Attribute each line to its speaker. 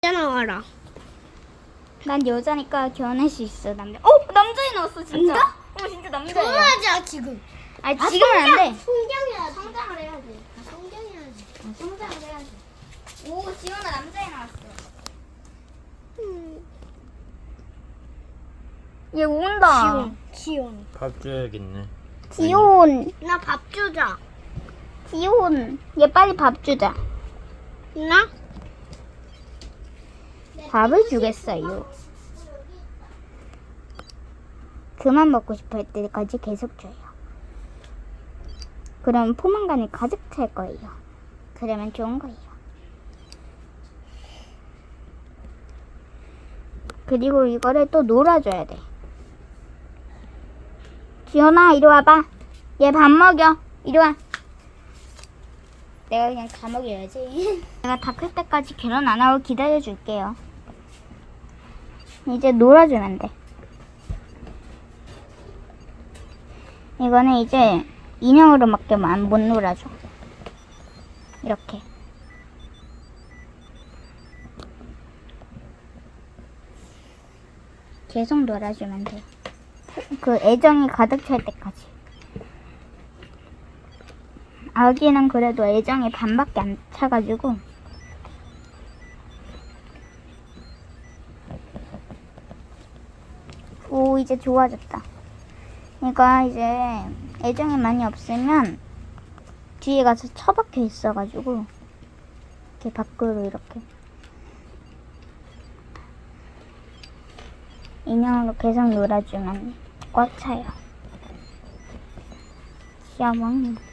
Speaker 1: 나와라.
Speaker 2: 난 여자니까 결혼할 수 있어. 남자애 나왔어 진짜. 진짜 남자애야.
Speaker 1: 결혼하자 지금.
Speaker 2: 아니 지금은 안 돼.
Speaker 1: 성장해야지. 성장을 해야지. 성장해야지.
Speaker 2: 성장을 해야지. 오 지원아 남자애 나왔어. 얘 온다.
Speaker 1: 지온.
Speaker 3: 밥 줘야겠네.
Speaker 2: 지온.
Speaker 1: 나 밥 주자.
Speaker 2: 지온. 얘 빨리 밥 주자.
Speaker 1: 나?
Speaker 2: 밥을 주겠어요. 그만 먹고 싶어 할 때까지 계속 줘요. 그럼 포만감이 가득 찰 거예요. 그러면 좋은 거예요. 그리고 이거를 또 놀아줘야 돼. 지연아 이리 와봐. 얘 밥 먹여. 이리 와. 내가 그냥 다 먹여야지. 내가 다 클 때까지 결혼 안 하고 기다려줄게요. 이제 놀아주면 돼. 이거는 이제 인형으로밖에 못 놀아줘. 이렇게. 계속 놀아주면 돼. 그 애정이 가득 찰 때까지. 아기는 그래도 애정이 반밖에 안 차가지고 오 이제 좋아졌다. 얘가 이제 애정이 많이 없으면 뒤에 가서 처박혀 있어가지고 이렇게 밖으로 이렇게 인형으로 계속 놀아주면 꽉 차요. 귀여워.